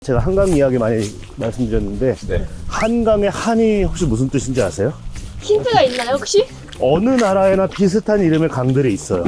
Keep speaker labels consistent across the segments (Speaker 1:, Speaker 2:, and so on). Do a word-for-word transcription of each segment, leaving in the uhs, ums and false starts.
Speaker 1: 제가 한강 이야기 많이 말씀드렸는데
Speaker 2: 네.
Speaker 1: 한강의 한이 혹시 무슨 뜻인지 아세요?
Speaker 3: 힌트가 있나요 혹시?
Speaker 1: 어느 나라에나 비슷한 이름의 강들이 있어요.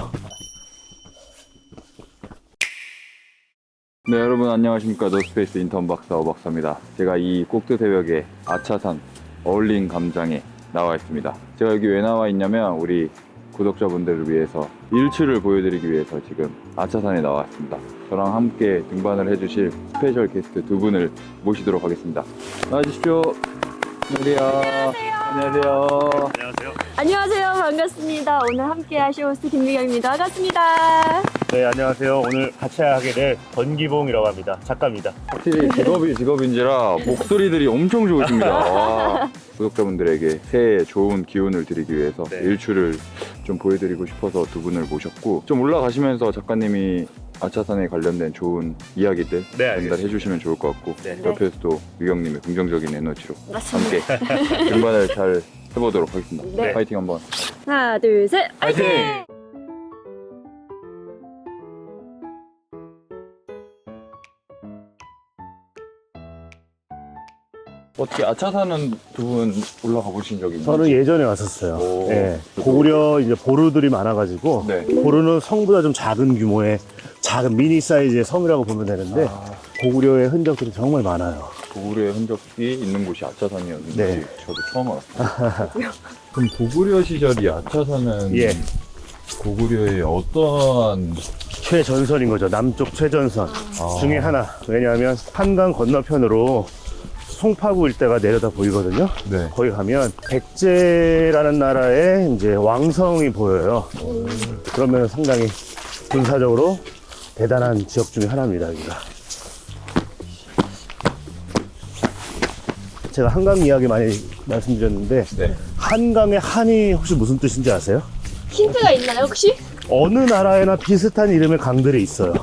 Speaker 2: 네, 여러분 안녕하십니까. 노스페이스 인턴 박사 오박사입니다. 제가 이 꼭두 새벽에 아차산 어울린 감장에 나와 있습니다. 제가 여기 왜 나와 있냐면 우리 구독자분들을 위해서 일출을 보여드리기 위해서 지금 아차산에 나왔습니다. 저랑 함께 등반을 해주실 스페셜 게스트 두 분을 모시도록 하겠습니다. 나와주십시오. 안녕하세요. 안녕하세요.
Speaker 1: 안녕하세요.
Speaker 3: 안녕하세요, 반갑습니다. 오늘 함께 하실 호스트 김미경입니다. 반갑습니다.
Speaker 1: 네, 안녕하세요. 오늘 같이 하게 될 권기봉이라고 합니다. 작가입니다.
Speaker 2: 확실히 직업이 직업인지라 목소리들이 엄청 좋으십니다. 와, 구독자분들에게 새해 좋은 기운을 드리기 위해서
Speaker 1: 네.
Speaker 2: 일출을 좀 보여드리고 싶어서 두 분을 모셨고, 좀 올라가시면서 작가님이 아차산에 관련된 좋은 이야기들
Speaker 1: 네,
Speaker 2: 전달해
Speaker 1: 알겠습니다.
Speaker 2: 주시면 좋을 것 같고,
Speaker 1: 네.
Speaker 2: 옆에서도 미경님의 긍정적인 에너지로
Speaker 3: 맞습니다.
Speaker 2: 함께 등반을 잘 해보도록 하겠습니다.
Speaker 3: 네.
Speaker 2: 파이팅 한번.
Speaker 3: 하나, 둘, 셋, 화이팅!
Speaker 2: 화이팅! 어떻게 아차산은 두 분 올라가 보신 적이 있나요?
Speaker 1: 저는 예전에 왔었어요.
Speaker 2: 오.
Speaker 1: 네, 고구려 이제 보루들이 많아가지고
Speaker 2: 네.
Speaker 1: 보루는 성보다 좀 작은 규모의 작은 미니 사이즈의 섬이라고 보면 되는데
Speaker 2: 아,
Speaker 1: 고구려의 흔적들이 정말 많아요.
Speaker 2: 고구려의 흔적이 있는 곳이 아차산이었는지
Speaker 1: 네.
Speaker 2: 저도 처음 알았어요. 그럼 고구려 시절이 아차산은
Speaker 1: 예.
Speaker 2: 고구려의 어떠한
Speaker 1: 최전선인 거죠. 남쪽 최전선
Speaker 2: 아.
Speaker 1: 중에 하나. 왜냐하면 한강 건너편으로 송파구 일대가 내려다 보이거든요.
Speaker 2: 네.
Speaker 1: 거기 가면 백제라는 나라의 이제 왕성이 보여요. 그러면 상당히 군사적으로 대단한 지역 중에 하나입니다, 여기가. 제가 한강 이야기 많이 말씀드렸는데
Speaker 2: 네.
Speaker 1: 한강의 한이 혹시 무슨 뜻인지 아세요?
Speaker 3: 힌트가 있나요 혹시?
Speaker 1: 어느 나라에나 비슷한 이름의 강들이 있어요.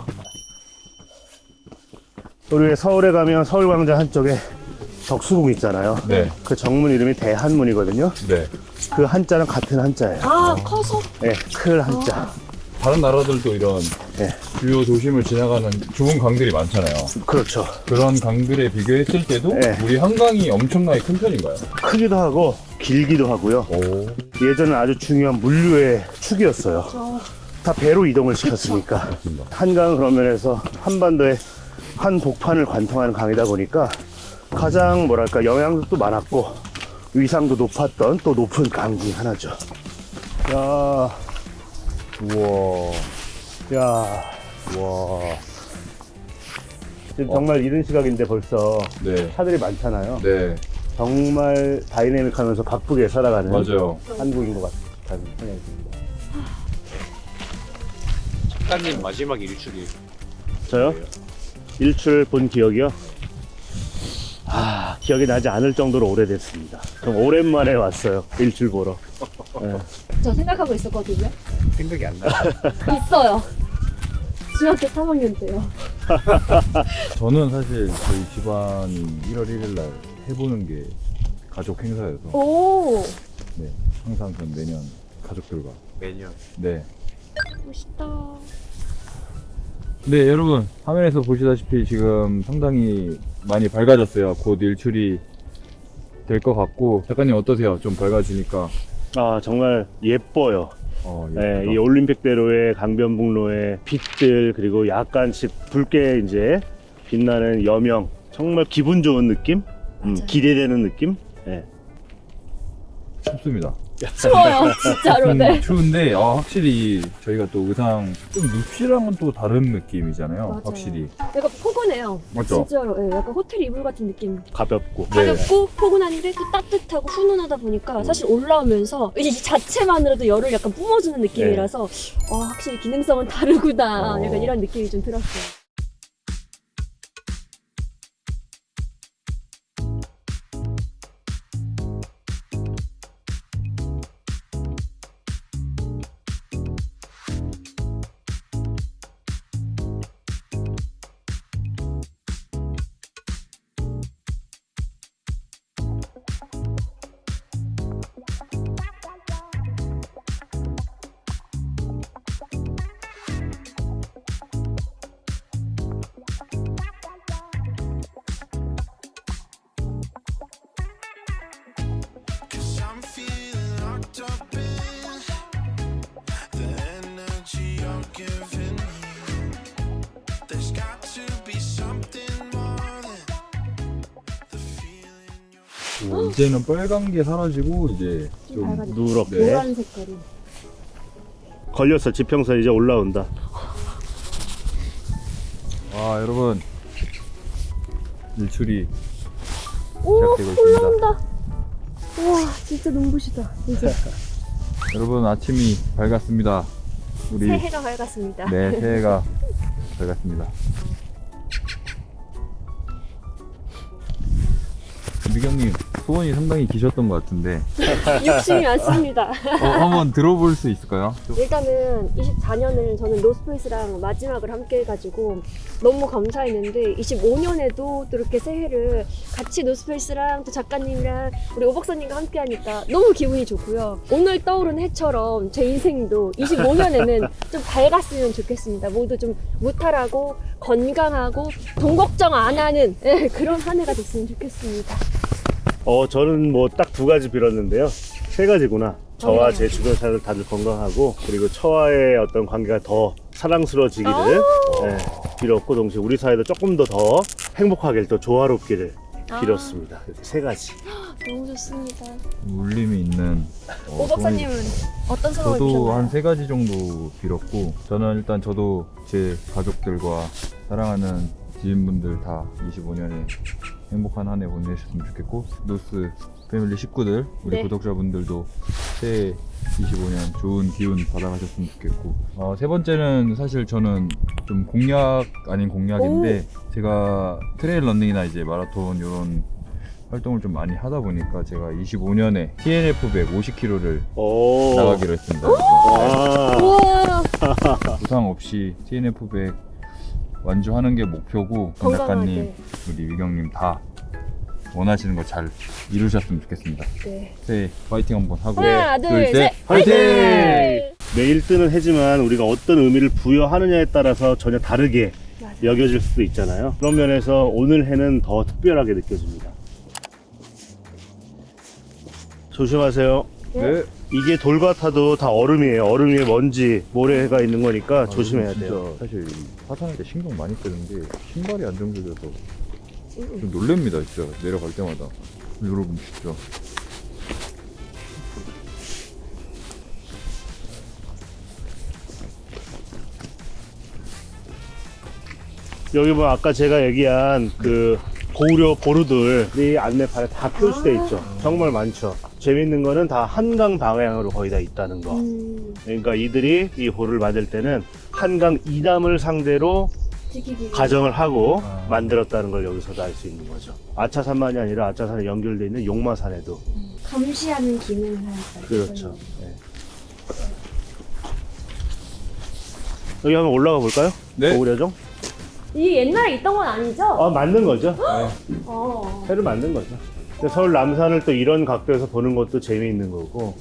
Speaker 1: 우리 서울에 가면 서울광장 한쪽에 덕수궁 있잖아요.
Speaker 2: 네.
Speaker 1: 그 정문 이름이 대한문이거든요.
Speaker 2: 네.
Speaker 1: 그 한자는 같은 한자예요.
Speaker 3: 아, 커서?
Speaker 1: 네, 클 한자.
Speaker 2: 다른 나라들도 이런
Speaker 1: 네,
Speaker 2: 주요 도심을 지나가는 좋은 강들이 많잖아요.
Speaker 1: 그렇죠.
Speaker 2: 그런 강들에 비교했을 때도
Speaker 1: 네.
Speaker 2: 우리 한강이 엄청나게 큰 편인가요?
Speaker 1: 크기도 하고 길기도 하고요.
Speaker 2: 오.
Speaker 1: 예전에 아주 중요한 물류의 축이었어요.
Speaker 3: 저...
Speaker 1: 다 배로 이동을 시켰으니까.
Speaker 2: 맞습니다.
Speaker 1: 한강은 그런 면에서 한반도의 한 복판을 관통하는 강이다 보니까 가장 뭐랄까 영향력도 많았고 위상도 높았던 또 높은 강 중 하나죠. 야,
Speaker 2: 우와.
Speaker 1: 야,
Speaker 2: 와.
Speaker 1: 지금 정말 이른 시각인데 벌써
Speaker 2: 네.
Speaker 1: 차들이 많잖아요.
Speaker 2: 네.
Speaker 1: 정말 다이내믹하면서 바쁘게 살아가는
Speaker 2: 맞아요.
Speaker 1: 한국인 것 같다는 생각이 듭니다.
Speaker 4: 작가님 마지막 일출이
Speaker 1: 저요? 일출 본 기억이요? 아, 기억이 나지 않을 정도로 오래됐습니다. 좀 오랜만에 왔어요. 일출 보러. 네.
Speaker 3: 저 생각하고 있었거든요.
Speaker 4: 생각이 안 나요.
Speaker 3: 있어요. 중학교 삼 학년 때요.
Speaker 2: 저는 사실 저희 집안이 일월 일일 날 해보는 게 가족 행사여서
Speaker 3: 오,
Speaker 2: 네, 항상 전 매년 가족들과
Speaker 4: 매년
Speaker 2: 네.
Speaker 3: 멋있다.
Speaker 2: 네, 여러분 화면에서 보시다시피 지금 상당히 많이 밝아졌어요. 곧 일출이 될 것 같고, 작가님 어떠세요? 좀 밝아지니까.
Speaker 1: 아, 정말 예뻐요.
Speaker 2: 어,
Speaker 1: 네,
Speaker 2: 예쁘다.
Speaker 1: 이 올림픽대로의 강변북로의 빛들, 그리고 약간씩 붉게 이제 빛나는 여명. 정말 기분 좋은 느낌? 음,
Speaker 3: 맞아요.
Speaker 1: 기대되는 느낌? 네.
Speaker 2: 춥습니다.
Speaker 3: 추워요, 진짜로. 네.
Speaker 2: 음, 추운데 아, 확실히 저희가 또 의상 좀 눕시랑은 또 다른 느낌이잖아요.
Speaker 3: 맞아요.
Speaker 2: 확실히.
Speaker 3: 약간 포근해요.
Speaker 2: 맞죠?
Speaker 3: 진짜로. 네, 약간 호텔 이불 같은 느낌.
Speaker 1: 가볍고.
Speaker 2: 네.
Speaker 3: 가볍고 포근한데 또 따뜻하고 훈훈하다 보니까 사실 올라오면서 이제 이 자체만으로도 열을 약간 뿜어주는 느낌이라서 와, 확실히 기능성은 다르구나.
Speaker 2: 어.
Speaker 3: 약간 이런 느낌이 좀 들었어요.
Speaker 2: 이제는 빨간 게 사라지고 이제 좀
Speaker 3: 밝아졌다.
Speaker 1: 누렇게
Speaker 3: 노란 색깔이.
Speaker 1: 걸렸어. 지평선 이제 올라온다.
Speaker 2: 와 여러분 일출이
Speaker 3: 오,
Speaker 2: 시작되고 있습니다.
Speaker 3: 올라온다. 우와, 진짜 눈부시다. 이제
Speaker 2: 여러분 아침이 밝았습니다. 우리
Speaker 3: 새해가 밝았습니다.
Speaker 2: 네 새해가 밝았습니다. 미경님 소원이 상당히 기셨던 것 같은데
Speaker 3: 욕심이 많습니다.
Speaker 2: 어, 한번 들어볼 수 있을까요?
Speaker 3: 일단은 이십사 년을 저는 노스페이스랑 마지막을 함께 해가지고 너무 감사했는데 이십오 년에도 또 이렇게 새해를 같이 노스페이스랑 또 작가님이랑 우리 오박사님과 함께 하니까 너무 기분이 좋고요. 오늘 떠오른 해처럼 제 인생도 이십오 년에는 좀 밝았으면 좋겠습니다. 모두 좀 무탈하고 건강하고 돈 걱정 안 하는 예, 그런 한 해가 됐으면 좋겠습니다.
Speaker 1: 어, 저는 뭐 딱 두 가지 빌었는데요. 세 가지구나. 저와 제 주변 사람들 다들 건강하고, 그리고 처와의 어떤 관계가 더 사랑스러워지기를 예, 빌었고, 동시에 우리 사회도 조금 더 더 행복하길, 더 조화롭기를 빌었습니다. 이렇게 세 가지.
Speaker 3: 너무 좋습니다.
Speaker 2: 울림이 있는 어,
Speaker 3: 오박사님은 어떤 소감을
Speaker 2: 저도
Speaker 3: 주셨나요?
Speaker 2: 한 세 가지 정도 빌었고 저는 일단 저도 제 가족들과 사랑하는 지인분들 다 이십오 년에 행복한 한 해 보내셨으면 좋겠고 노스 패밀리 식구들 우리
Speaker 3: 네.
Speaker 2: 구독자분들도 새해 이십오 년 좋은 기운 받아가셨으면 좋겠고 어, 세 번째는 사실 저는 좀 공약 아닌 공약인데 제가 트레일 런닝이나 이제 마라톤 이런 활동을 좀 많이 하다 보니까 제가 이십오 년에 티엔에프 백 오십 킬로미터를
Speaker 1: 오.
Speaker 2: 나가기로 했습니다.
Speaker 1: 와.
Speaker 3: 우와,
Speaker 2: 부상 없이 티엔에프 백 완주하는 게 목표고 권
Speaker 3: 건강하게.
Speaker 2: 작가님, 우리 위경님 다 원하시는 거 잘 이루셨으면 좋겠습니다.
Speaker 3: 네.
Speaker 2: 새해 파이팅 한번 하고
Speaker 3: 하나, 둘, 셋,
Speaker 1: 화이팅!
Speaker 3: 화이팅!
Speaker 1: 내 일 등은 해지만 우리가 어떤 의미를 부여하느냐에 따라서 전혀 다르게
Speaker 3: 맞아요.
Speaker 1: 여겨질 수도 있잖아요. 그런 면에서 오늘 해는 더 특별하게 느껴집니다. 조심하세요.
Speaker 2: 네.
Speaker 1: 이게 돌 같아도 다 얼음이에요. 얼음 위에 먼지, 모래가 있는 거니까 조심해야
Speaker 2: 아, 진짜
Speaker 1: 돼요.
Speaker 2: 사실 하산할 때 신경 많이 쓰는데 신발이 안정적이어서 좀 놀랍니다. 진짜 내려갈 때마다 여러분 진짜
Speaker 1: 여기 뭐 아까 제가 얘기한 그 고우려 보루들이 안내판에 다 표시돼 있죠. 정말 많죠. 재밌는 거는 다 한강 방향으로 거의 다 있다는 거.
Speaker 3: 음,
Speaker 1: 그러니까 이들이 이 보루를 만들 때는 한강 이남을 상대로
Speaker 3: 지키기.
Speaker 1: 가정을 하고
Speaker 2: 아.
Speaker 1: 만들었다는 걸 여기서도 알 수 있는 거죠. 아차산만이 아니라 아차산에 연결되어 있는 용마산에도.
Speaker 3: 감시하는 기능을 하였다.
Speaker 1: 그렇죠. 네. 여기 한번 올라가 볼까요?
Speaker 2: 네.
Speaker 1: 고우려정?
Speaker 3: 이게 옛날에 있던 건 아니죠?
Speaker 1: 아, 맞는 거죠.
Speaker 3: 어.
Speaker 1: 새로 만든 거죠. 근데 서울 남산을 또 이런 각도에서 보는 것도 재미있는 거고.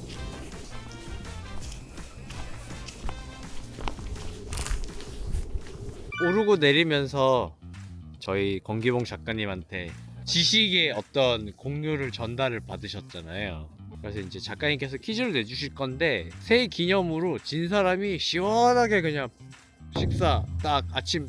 Speaker 4: 오르고 내리면서 저희 권기봉 작가님한테 지식의 어떤 공유를 전달을 받으셨잖아요. 그래서 이제 작가님께서 퀴즈를 내주실 건데 새해 기념으로 진 사람이 시원하게 그냥 식사 딱 아침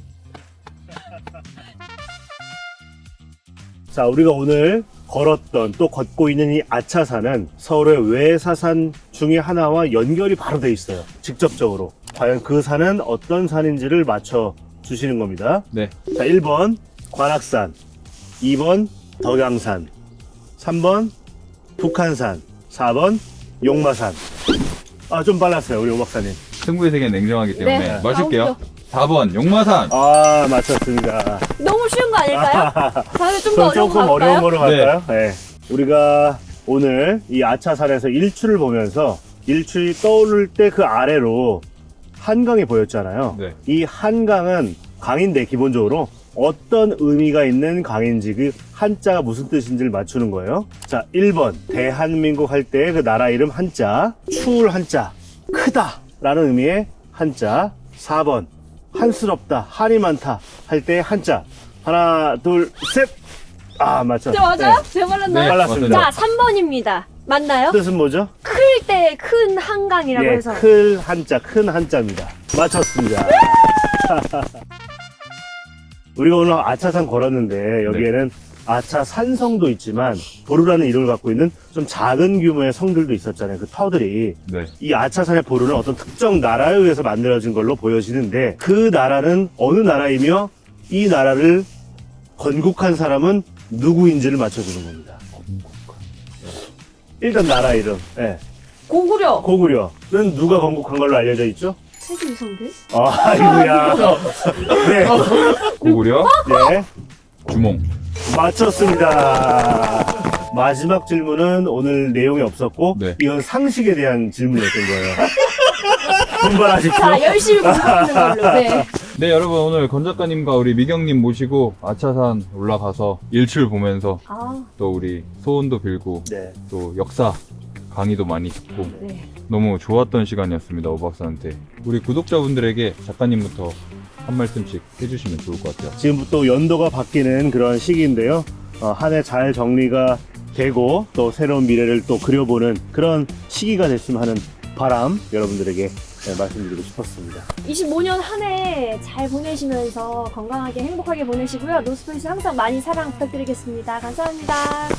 Speaker 1: 자, 우리가 오늘 걸었던 또 걷고 있는 이 아차산은 서울의 외사산 중에 하나와 연결이 바로 돼 있어요. 직접적으로. 과연 그 산은 어떤 산인지를 맞춰 주시는 겁니다.
Speaker 2: 네.
Speaker 1: 자, 일 번 관악산, 이 번 덕양산, 삼 번 북한산, 사 번 용마산. 아, 좀 빨랐어요, 우리 오박사님.
Speaker 2: 승부의 세계는 냉정하기 때문에
Speaker 3: 네.
Speaker 2: 마실게요.
Speaker 3: 나오죠.
Speaker 2: 사 번 용마산.
Speaker 1: 아, 맞췄습니다.
Speaker 3: 너무 쉬운 거 아닐까요? 다음에 좀 더
Speaker 1: 그럼
Speaker 3: 어려운 거
Speaker 1: 조금 어려운
Speaker 3: 갈까요?
Speaker 1: 거로 갈까요? 네. 우리가 오늘 이 아차산에서 일출을 보면서 일출이 떠오를 때 그 아래로 한강이 보였잖아요.
Speaker 2: 네.
Speaker 1: 이 한강은 강인데 기본적으로 어떤 의미가 있는 강인지 그 한자가 무슨 뜻인지를 맞추는 거예요. 자, 일 번 대한민국 할 때 그 나라 이름 한자, 추울 한자, 크다 라는 의미의 한자. 사 번 한스럽다, 한이 많다 할 때 한자. 하나, 둘, 셋. 아, 맞죠?
Speaker 3: 저 맞아요?
Speaker 1: 네.
Speaker 3: 제가 말랐나요?
Speaker 1: 빨랐습니다.
Speaker 3: 자, 삼 번입니다. 맞나요?
Speaker 1: 뜻은 뭐죠?
Speaker 3: 클 때 큰 한강이라고
Speaker 1: 예,
Speaker 3: 해서.
Speaker 1: 클 한자, 큰 한자입니다. 맞췄습니다. 우리가 오늘 아차산 걸었는데 여기에는 아차 산성도 있지만 보루라는 이름을 갖고 있는 좀 작은 규모의 성들도 있었잖아요. 그 터들이.
Speaker 2: 네.
Speaker 1: 이 아차산의 보루는 어떤 특정 나라에 의해서 만들어진 걸로 보여지는데 그 나라는 어느 나라이며 이 나라를 건국한 사람은 누구인지를 맞춰주는 겁니다. 일단 나라 이름. 예.
Speaker 3: 고구려.
Speaker 1: 고구려는 누가 건국한 걸로 알려져 있죠?
Speaker 3: 세종성대?
Speaker 1: 아, 아이고야. 네.
Speaker 2: 고구려,
Speaker 1: 네.
Speaker 2: 주몽.
Speaker 1: 맞췄습니다. 마지막 질문은 오늘 내용이 없었고,
Speaker 2: 네.
Speaker 1: 이건 상식에 대한 질문이었던 거예요. 분발하십시오.
Speaker 3: 자, 열심히 공부하는 걸로. 네.
Speaker 2: 네, 여러분 오늘 권 작가님과 우리 미경님 모시고 아차산 올라가서 일출 보면서
Speaker 3: 아,
Speaker 2: 또 우리 소원도 빌고
Speaker 1: 네.
Speaker 2: 또 역사 강의도 많이 듣고
Speaker 3: 네.
Speaker 2: 너무 좋았던 시간이었습니다. 오 박사한테. 우리 구독자분들에게 작가님부터 한 말씀씩 해주시면 좋을 것 같아요.
Speaker 1: 지금부터 연도가 바뀌는 그런 시기인데요. 어, 한 해 잘 정리가 되고 또 새로운 미래를 또 그려보는 그런 시기가 됐으면 하는 바람 여러분들에게 네, 말씀드리고 싶었습니다.
Speaker 3: 이십오 년 한 해 잘 보내시면서 건강하게 행복하게 보내시고요. 노스페이스 항상 많이 사랑 부탁드리겠습니다. 감사합니다.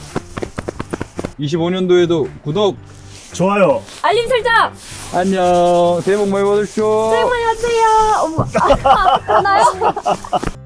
Speaker 2: 이십오 년도에도 구독,
Speaker 1: 좋아요.
Speaker 3: 알림 설정!
Speaker 2: 안녕, 새해 복 많이 받으십시오.
Speaker 3: 새해 복 많이 받으세요! 어머, 아, 하나요?